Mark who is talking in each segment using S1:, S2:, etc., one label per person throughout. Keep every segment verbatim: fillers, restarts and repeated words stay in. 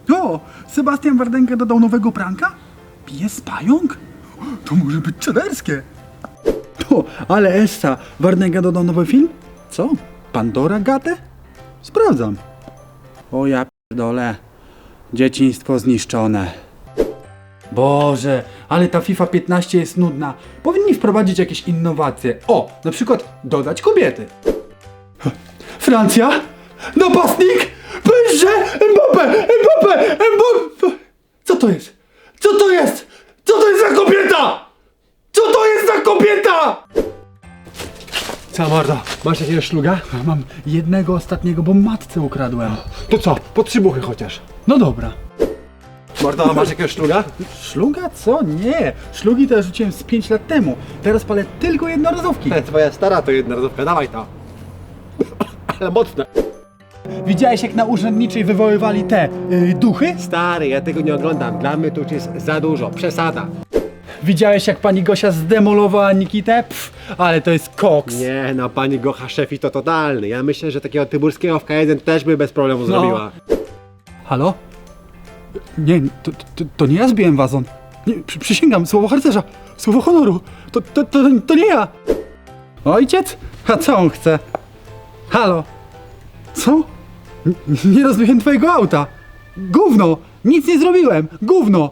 S1: O, Sebastian Wardenga dodał nowego pranka? Pies pająk? To może być czaderskie. O, ale Essa, Wardenga dodał nowy film? Co? Pandora Gate? Sprawdzam. O ja pierdolę. Dzieciństwo zniszczone. Boże, ale ta FIFA piętnaście jest nudna. Powinni wprowadzić jakieś innowacje. O, na przykład dodać kobiety. Francja? Napastnik? Pęże! Mbappé! Mbappé! Mbappé! Co to jest? Co to jest? Co to jest za kobieta? Co to jest za kobieta?
S2: Co mordo, masz jakiegoś szluga?
S1: Mam jednego ostatniego, bo matce ukradłem.
S2: To co, po trzy buchy chociaż.
S1: No dobra.
S2: Mordo, masz jakiegoś szluga?
S1: Szluga? Co? Nie. Szlugi to ja rzuciłem z pięć lat temu. Teraz palę tylko jednorazówki.
S2: Te, twoja stara to jedna rozówka, dawaj to. Ale mocne.
S1: Widziałeś jak na urzędniczej wywoływali te yy, duchy?
S2: Stary, ja tego nie oglądam, dla mnie to już jest za dużo, przesada.
S1: Widziałeś jak pani Gosia zdemolowała Nikitę? Pff, ale to jest koks.
S2: Nie no, pani Gocha Szefi to totalny. Ja myślę, że takiego Tyburskiego w K jeden też by bez problemu zrobiła.
S1: Halo? Nie, to, to, to nie ja zbiłem wazon. Nie, przy, przysięgam, słowo harcerza, słowo honoru. To, to, to, to nie ja. Ojciec? A co on chce? Halo? Co? N- nie rozbiłem twojego auta. Gówno! Nic nie zrobiłem! Gówno!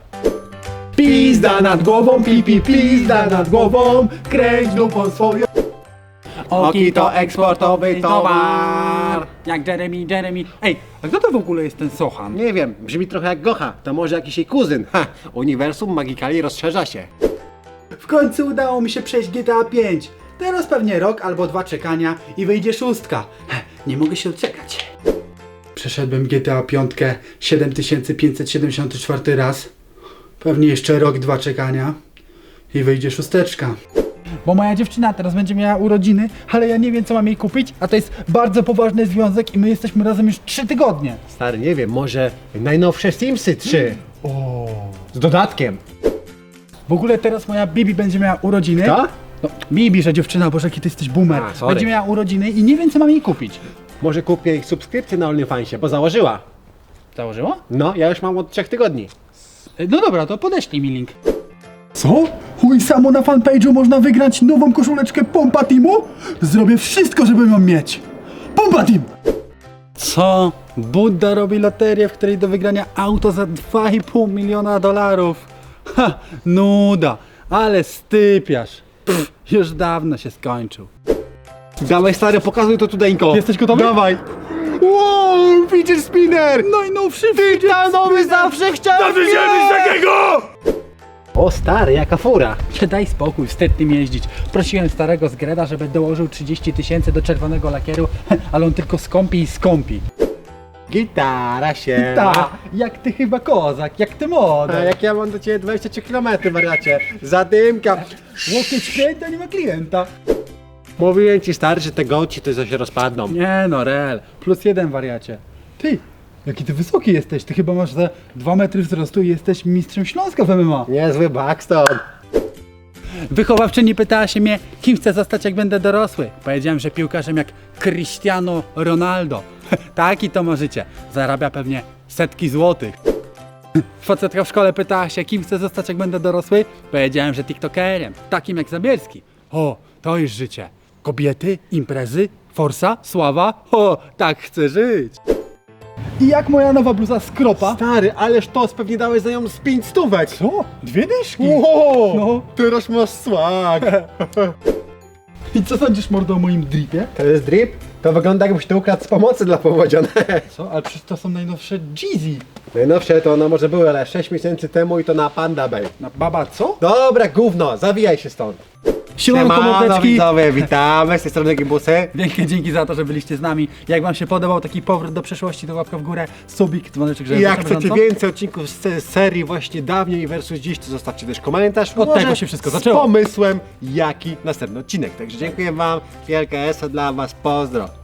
S2: Pizda nad głową, pipi, pizda nad głową, kręć dupą swoją. Oki to eksportowy towar.
S1: Jak Jeremy, Jeremy. Ej, a kto to w ogóle jest ten Sochan?
S2: Nie wiem, brzmi trochę jak Gocha, to może jakiś jej kuzyn. Ha, uniwersum Magikali rozszerza się.
S1: W końcu udało mi się przejść G T A pięć. Teraz pewnie rok albo dwa czekania i wyjdzie szóstka. Nie mogę się doczekać. Przeszedłem G T A pięć siedem tysięcy pięćset siedemdziesiąty czwarty raz. Pewnie jeszcze rok, dwa czekania i wyjdzie szósteczka. Bo moja dziewczyna teraz będzie miała urodziny, ale ja nie wiem co mam jej kupić, a to jest bardzo poważny związek i my jesteśmy razem już trzy tygodnie.
S2: Stary, nie wiem, może najnowsze Simsy trzy.
S1: O.
S2: Z dodatkiem.
S1: W ogóle teraz moja Bibi będzie miała urodziny.
S2: Kto?
S1: No, Bibi, że dziewczyna, Boże, jaki ty jesteś boomer.
S2: A, sorry.
S1: Będzie miała urodziny i nie wiem co mam jej kupić.
S2: Może kupię ich subskrypcję na OnlyFansie, bo założyła.
S1: Założyła?
S2: No, ja już mam od trzech tygodni.
S1: No dobra, to podeślij mi link. Co? Chuj samo na fanpage'u można wygrać nową koszuleczkę Pompa Teamu? Zrobię wszystko, żeby ją mieć. Pompa Team! Co? Budda robi loterię, w której do wygrania auto za dwa i pół miliona dolarów. Ha, nuda, ale stypiarz. Pff, już dawno się skończył.
S2: Dawaj stary, pokazuj to tudeńko.
S1: Jesteś gotowy?
S2: Dawaj. Wow, fidget spinner!
S1: Najnowszy
S2: Tytanowy zawsze chciałem
S1: Zawsze chciałem mieć takiego!
S2: O stary, jaka fura.
S1: Daj spokój, wstyd tym jeździć. Prosiłem starego z Greda, żeby dołożył trzydzieści tysięcy do czerwonego lakieru, ale on tylko skąpi i skąpi.
S2: Gitara się.
S1: Ta, jak ty chyba kozak, jak ty
S2: A
S1: moda.
S2: jak ja mam do ciebie dwadzieścia trzy kilometry, wariacie. Zadymka.
S1: Łokieć klienta, nie ma klienta.
S2: Mówiłem ci stary, że te goci to się rozpadną.
S1: Nie no, rel, plus jeden wariacie. Ty, jaki ty wysoki jesteś, ty chyba masz za dwa metry wzrostu i jesteś mistrzem Śląska w M M A.
S2: Niezły Buxton.
S1: Wychowawczyni pytała się mnie, kim chcę zostać jak będę dorosły. Powiedziałem, że piłkarzem jak Cristiano Ronaldo. Taki to możecie. Zarabia pewnie setki złotych. Facetka w szkole pytała się, kim chcę zostać jak będę dorosły. Powiedziałem, że tiktokerem, takim jak Zabierski. O, to już życie. Kobiety, imprezy, forsa, sława. O, tak chcę żyć. I jak moja nowa bluza Skropa?
S2: Stary, ależ to pewnie dałeś za nią z pięć stówek.
S1: Co? Dwie dyszki?
S2: Wow,
S1: No.
S2: teraz masz swag.
S1: I co sądzisz, mordo, o moim dripie?
S2: To jest drip? To wygląda jakbyś to ukradł z pomocy dla powodzianek.
S1: Co? Ale przecież to są najnowsze Jeezy.
S2: Najnowsze to one może były, ale sześć miesięcy temu i to na Panda Bay.
S1: Na baba co?
S2: Dobra, gówno, zawijaj się stąd.
S1: Siemanko, mordeczki.
S2: widzowie, witamy z tej strony Gibusy.
S1: Wielkie dzięki za to, że byliście z nami. Jak wam się podobał taki powrót do przeszłości, to łapka w górę, subik, dzwoneczek, żeby
S2: I jak
S1: na
S2: chcecie
S1: bieżąco.
S2: więcej odcinków z z serii właśnie dawniej versus dziś, to zostawcie też komentarz.
S1: Od
S2: Może
S1: tego się wszystko
S2: z
S1: zaczęło.
S2: pomysłem, jaki następny odcinek. Także dziękuję wam, wielka esa dla was, pozdro.